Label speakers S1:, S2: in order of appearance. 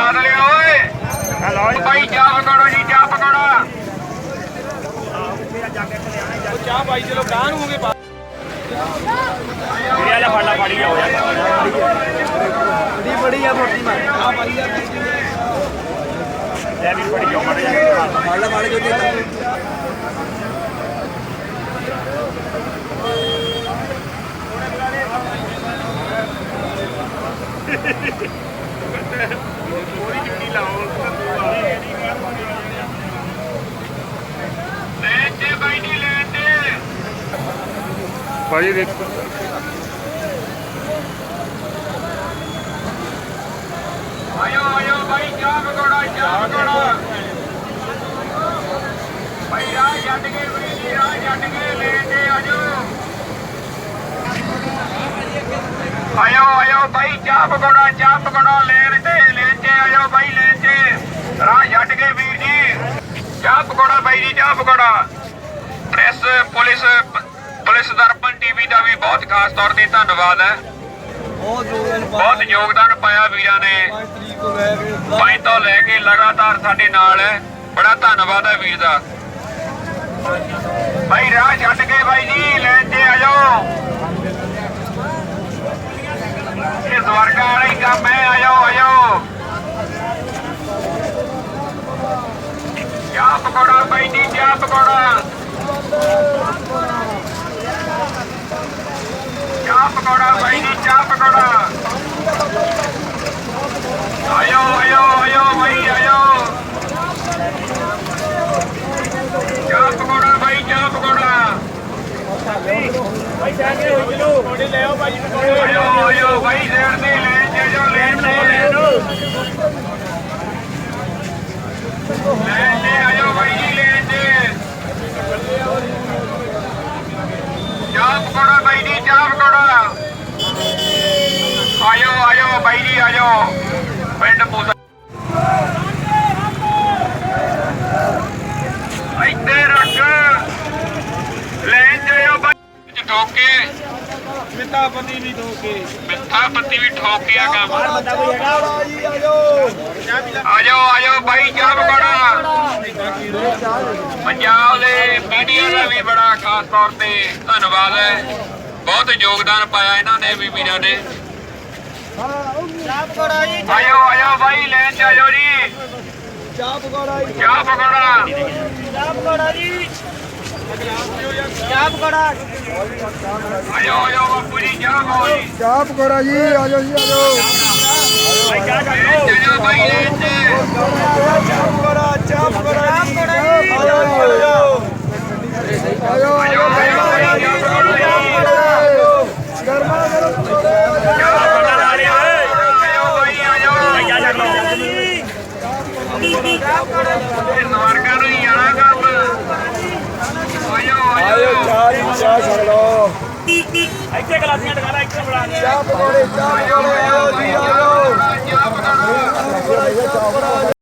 S1: ਬਦਲਿਆ ਓਏ ਭਾਈ ਚਾਹ ਪਕੜੋ ਜੀ ਚਾਹ ਪਕੜੋ
S2: ਚਾਹ ਭਾਈ ਚਲੋ ਗਾਂ ਨੂੰ ਹੋਗੇ
S1: ਇਹ ਲੈ ਫੜਲਾ ਫੜੀ ਜਾਓ ਯਾਰ
S2: ਬੜੀ ਆ ਮੋਟੀ ਮਾਰ ਆ ਭਾਈ ਆ
S1: ਲੈ ਵੀ ਫੜੀ ਜਾਓ ਮਾੜੇ ਜਾ
S2: ਫੜ ਲੈ ਫੜ ਜੋ ਦੇ
S1: ਪੂਰੀ ਚੁੱਕੀ ਲਾਓ ਲੈਣ ਤੇ ਬਾਈ ਨਹੀਂ ਲੈਣ ਤੇ ਭਾਈ ਦੇਖੋ ਆਇਓ ਆਇਓ ਭਾਈ ਚਾਹ ਪਕੌੜਾ ਭਾਈ ਰਾਹ ਛੱਡ ਕੇ ਵੀਰ ਰਾਹ ਛੱਡ ਕੇ ਲੈਣ ਤੇ ਆਜੋ ਆਇਓ ਭਾਈ ਚਾਹ ਪਕੌੜਾ ਲੈਣ ਤੇ ਆਇਓ ਭਾਈ ਲੈਣ ਤੇ ਰਾਹ ਛੱਡ ਕੇ ਵੀਰ ਜੀ ਚਾਹ ਪਕੌੜਾ ਬਾਈ ਜੀ ਚਾਹ pakora press police Darpan TV ਦਾ ਵੀ ਬਹੁਤ ਖਾਸ ਤੌਰ ਤੇ ਧੰਨਵਾਦ ਹੈ ਬਹੁਤ ਯੋਗਦਾਨ ਪਾਇਆ ਵੀਰਾਂ ਨੇ 5 ਤੋਂ ਲੈ ਕੇ ਲਗਾਤਾਰ ਸਾਡੇ ਨਾਲ ਹੈ ਬੜਾ ਧੰਨਵਾਦ ਹੈ ਵੀਰ ਦਾ ਭਾਈ ਰਾਹ ਛੱਡ ਕੇ ਬਾਈ ਜੀ ਲੈਣ ਤੇ ਆਜੋ ਇਹ ਸਵਰਗਾ ਵਾਲਾ ਹੀ ਕੰਮ ਹੈ ਆਇਓ ਚਾਹ ਪਕੌੜਾ ਬਾਈ ਜੀ ਚਾਹ ਪਕੌੜਾ ਬਾਈ ਜੀ ਚਾਹ ਪਕੌੜਾ ਆਇਓ ਬਾਈ ਆਇਓ ਚਾਹ ਪਕੌੜਾ ਬਾਈ ਚਾਹ ਪਕੌੜਾ
S2: ਭਾਈ ਸਾਹਮਣੇ ਹੋ ਚਲੋ ਥੋੜੇ ਲੈ ਆਓ ਭਾਈ
S1: ਆਇਓ ਬਾਈ ਲੈਣ ਤੇ ਲੈਣ ਤੇ ਆਇਓ ਬਾਈ ਜੀ ਲੈਣ ਤੇ ਚਾਹ ਪਕੌੜਾ ਬਾਈ ਜੀ ਚਾਹ ਪਕੌੜਾ ਆਇਓ ਬਾਈ ਜੀ ਆਇਓ ਪਿੰਡ ਪੂਸਾ ਇੱਥੇ ਰੱਖ ਲੈਣ ਤੇ ਆਇਓ ਬਾਈ ਠੋਕ ਕੇ
S2: ਮਿੱਠਾ ਪੱਤੀ ਵੀ
S1: ਠੋਕ ਕੇ ਆ ਕੰਮ
S2: ਬੰਦਾ ਕੋਈ ਹੈਗਾ ਜੀ
S1: ਆਜੋ ਬਾਈ ਚਾਹ ਪਕੌੜਾ ਪੰਜਾਬ ਦੇ ਮੀਡੀਆ ਦਾ ਵੀ ਬੜਾ ਖਾਸ ਤੌਰ ਤੇ ਧੰਨਵਾਦ ਹੈ ਬਹੁਤ ਯੋਗਦਾਨ ਪਾਇਆ ਇਹਨਾਂ ਨੇ ਵੀ ਵੀਰਾਂ ਨੇ
S2: ਚਾਹ ਪਕੌੜਾ ਜੀ
S1: ਆਇਓ ਬਾਈ ਲੈਣ ਤੇ ਆਇਓ ਜੀ
S2: ਚਾਹ ਪਕੌੜਾ ਜੀ
S1: ਚਾਹ ਪਕੌੜਾ ਆਇਓ ਬਾਪੂ ਜੀ ਚਾਹ ਬੋਲੀ
S2: ਚਾਹ ਪਕੌੜਾ ਜੀ ਆਜੋ ਜੀ ਆਜੋ
S1: ਬਾਈ ਲੈਣ ਤੇ
S2: ਚਾਹ ਪਕੌੜਾ ਆਜੋ ਗਰਮਾ ਗਰਮ
S1: ਸਵਰਗਾਂ ਨੂੰ ਹੀ ਆਣਾ ਕੰਮ ਆਇਓ
S2: ਚਾਹ ਛਕ ਲਓ
S3: ਇੱਥੇ ਗਲਾਸੀਆਂ ਟਕਾ ਲੈ ਇੱਥੇ ਬਣਾ
S2: ਚਾਹ ਪਕੌੜੇ ਆਓ ਜੀ ਆਓ
S1: ਚਾਹ ਪਕੌੜਾ